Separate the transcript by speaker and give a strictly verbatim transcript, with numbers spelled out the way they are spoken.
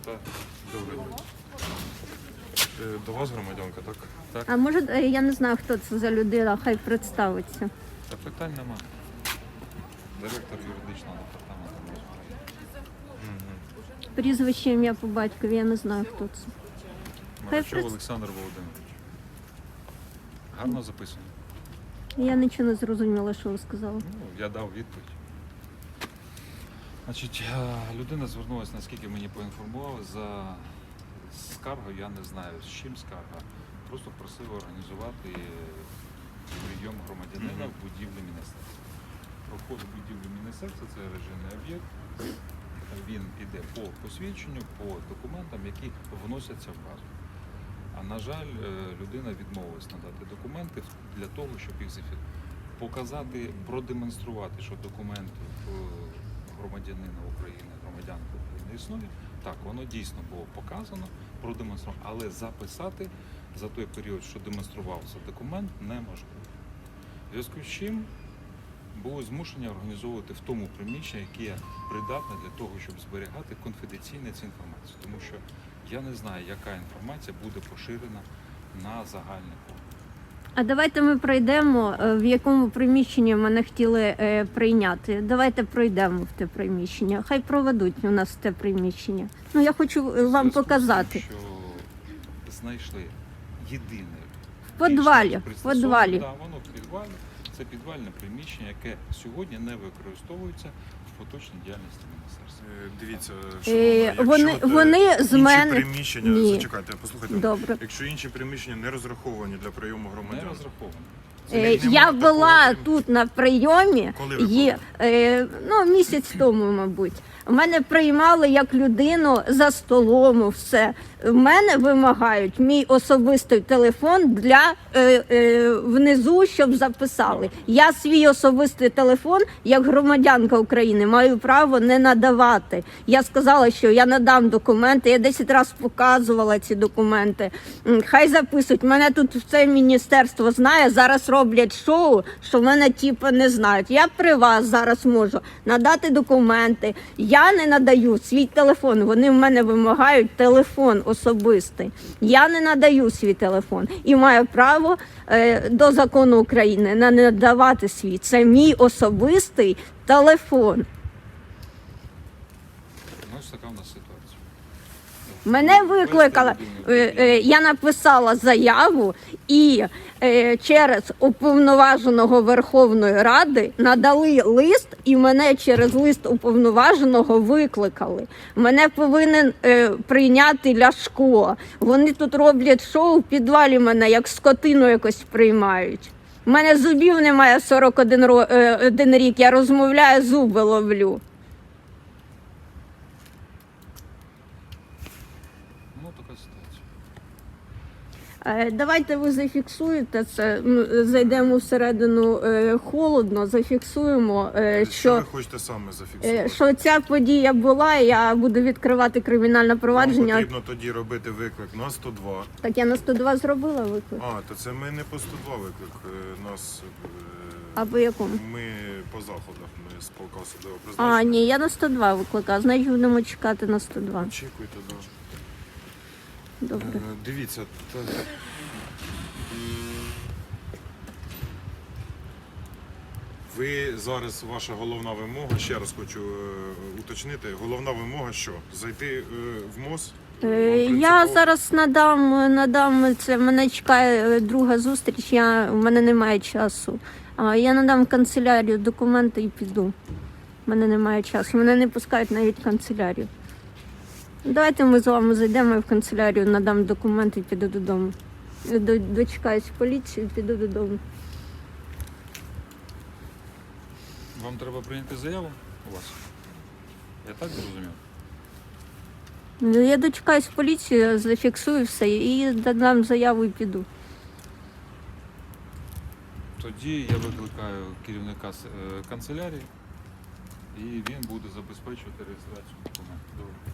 Speaker 1: Так, добрий день. Е, До вас громадянка, так? Так.
Speaker 2: А може, е, я не знаю, хто це за людина, хай представиться.
Speaker 1: Та питань нема. Директор юридичного департаменту міськради.
Speaker 2: Прізвище, ім'я по батькові, я не знаю, хто це. Хай
Speaker 1: Марачов
Speaker 2: пред-
Speaker 1: Олександр Володимирович. Гарно записано.
Speaker 2: Я нічого не зрозуміла, що ви сказали.
Speaker 1: Ну, я дав відповідь. Значить, е, людина звернулася, наскільки мені поінформували, за скаргою, я не знаю, з чим скарга. Просто просив організувати прийом громадянина в будівлі міністерства. Про вход в будівлю міністерства – це режимний об'єкт. Він іде по посвідченню, по документам, які вносяться в базу. А на жаль, е, людина відмовилась надати документи для того, щоб їх зафіксувати. Показати, продемонструвати, що документів е, громадянина України, громадянки України існує. Так, воно дійсно було показано, продемонстровано, але записати за той період, що демонструвався документ, неможливо. В зв'язку з чим були змушені організовувати в тому приміщенні, яке придатне для того, щоб зберігати конфіденційну цю інформацію. Тому що я не знаю, яка інформація буде поширена на загальний фонд.
Speaker 2: А давайте ми пройдемо, е, в якому приміщенні мене хотіли е, прийняти. Давайте пройдемо в те приміщення. Хай проведуть у нас в те приміщення. Ну, я хочу е, вам
Speaker 1: Зв'язку з тим,
Speaker 2: показати.
Speaker 1: що знайшли єдине
Speaker 2: В підвалі, в
Speaker 1: пристосоване,
Speaker 2: підвалі.
Speaker 1: да, воно в підвалі. Це підвальне приміщення, яке сьогодні не використовується в поточній діяльності міністерства.
Speaker 3: Е, Дивіться,
Speaker 2: Е,
Speaker 3: шановна,
Speaker 2: вони-
Speaker 3: якщо, е,
Speaker 2: вони з
Speaker 3: інші
Speaker 2: мене-
Speaker 3: приміщення,
Speaker 2: Ні.
Speaker 3: зачекайте, послухайте.
Speaker 2: Добре.
Speaker 3: Якщо інші приміщення не розраховані для прийому
Speaker 1: Не
Speaker 3: громадян,
Speaker 1: розраховано.
Speaker 3: це
Speaker 2: Е,
Speaker 3: не
Speaker 2: Я
Speaker 3: може
Speaker 2: була
Speaker 3: такого-
Speaker 2: тут на прийомі,
Speaker 3: Коли ви
Speaker 2: є, е, ну, місяць тому, мабуть. Мене приймали як людину за столом, все. В мене вимагають мій особистий телефон для е, е, внизу, щоб записали. Я свій особистий телефон, як громадянка України, маю право не надавати. Я сказала, що я надам документи, я десять разів показувала ці документи. М, Хай записують. Мене тут все міністерство знає, зараз роблять шоу, що мене типу не знають. Я при вас зараз можу надати документи. Я не надаю свій телефон. Вони в мене вимагають телефон особистий. Я не надаю свій телефон і маю право е, до закону України не надавати свій. Це мій особистий телефон.
Speaker 1: Ну, ось така в нас ситуація.
Speaker 2: Мене викликала, е, е, я написала заяву і е, через уповноваженого Верховної Ради надали лист, і мене через лист уповноваженого викликали. Мене повинен е, прийняти Ляшко. Вони тут роблять шоу, в підвалі мене як скотину якось приймають. У мене зубів немає сорок один ро- е, один рік, я розмовляю, зуби ловлю.
Speaker 1: Ну, така ситуація.
Speaker 2: Е, Давайте ви зафіксуєте це. Ну, зайдемо всередину е, холодно, зафіксуємо, е,
Speaker 3: що
Speaker 2: що,
Speaker 3: ви хочете саме
Speaker 2: е,
Speaker 3: зафіксувати?
Speaker 2: що ця подія була. Я буду відкривати кримінальне
Speaker 3: Вам
Speaker 2: провадження.
Speaker 3: потрібно тоді робити виклик на сто два.
Speaker 2: Так я на сто два зробила виклик.
Speaker 3: А, то це ми не по сто два виклик. е, Нас е,
Speaker 2: А по якому?
Speaker 3: ми по заходах, ми з полка особливо
Speaker 2: А,
Speaker 3: призначення.
Speaker 2: ні, я на сто два викликаю. Значить, будемо чекати на сто два.
Speaker 3: Очікуйте, да.
Speaker 2: Добре.
Speaker 3: Е, Дивіться, та- ви зараз, ваша головна вимога, ще раз хочу е, уточнити, головна вимога що? Зайти е, в МОЗ?
Speaker 2: Е,
Speaker 3: Вам
Speaker 2: Я
Speaker 3: принципово?
Speaker 2: зараз надам, надам це. Мене чекає е, друга зустріч. Я в мене немає часу. А я надам в канцелярію документи і піду. У мене немає часу. Мене не пускають навіть в канцелярію. Давайте ми з вами зайдемо в канцелярію, надам документи і піду додому. До- Дочекаюсь поліції, піду додому.
Speaker 1: Вам треба прийняти заяву у вас? Я так зрозумів?
Speaker 2: Я дочекаюсь поліції, зафіксую все і додам заяву і піду.
Speaker 1: Тоді я викликаю керівника с- е, канцелярії, і він буде забезпечувати реєстрацію документів. Добре.